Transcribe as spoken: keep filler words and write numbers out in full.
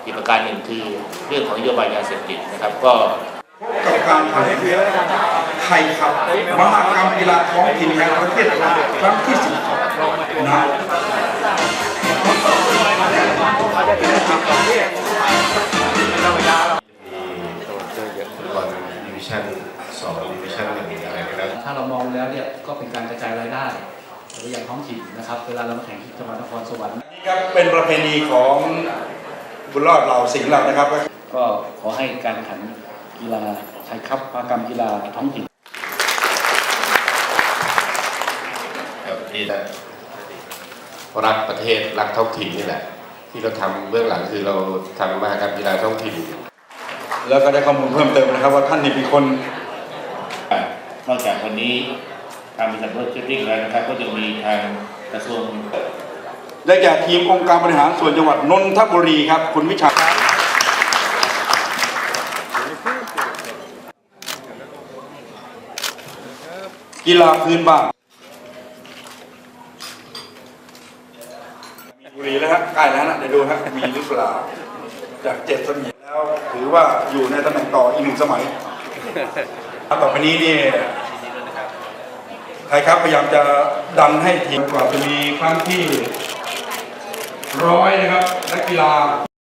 อีกประการหนึ่งคือเรื่องของนโยบายยาเสพติดนะครับก็กับการแข่งขันไทยครับมหกรรมกีฬาท้องถิ่นแห่งประเทศไทยครั้งที่สิบนะดิวิชั่นสองดิวิชั่นหนึ่งอะไรก็แล้วถ้าเรามองแล้วเนี่ยก็เป็นการกระจายรายได้ไปยังท้องถิ่นนะครับเวลาเรามาแข่งที่จังหวัดนครสวรรค์นี่ครับเป็นประเพณีของบุญรอดเราสิงห์เรานะครับก็ขอให้การแข่งขันกีฬาไทยคัพมหกรรมกีฬาท้องถิ่นครับนี่แหละรักประเทศรักท้องถิ่นนี่แหละที่เราทำเบื้องหลังคือเราทำมหกรรมกีฬาท้องถิ่นแล้วก็ได้ข้อมูลเพิ่มเติมนะครับว่าท่านนี่เป็นคนนอกจากวันนี้ทางบริษัทรถเชฟริ่งแล้วนะครับก็จะมีทางกระทรวงได้แก่ทีมองค์การบริหารส่วนจังหวัดนนทบุรีครับคุณวิชากีฬาพื้นบ้านบุรีแล้วครับใกล้แล้วนะเดี๋ยวดูครับมีหรือเปล่าจากเจ็ดสมัยแล้วถือว่าอยู่ในตำแหน่งต่ออีกหนึ่งสมัยต่อไปนี้นี่ไทยครับพยายามจะดันให้ทีมกว่าจะมีครั้งที่ร้อยนะครับนักกีฬา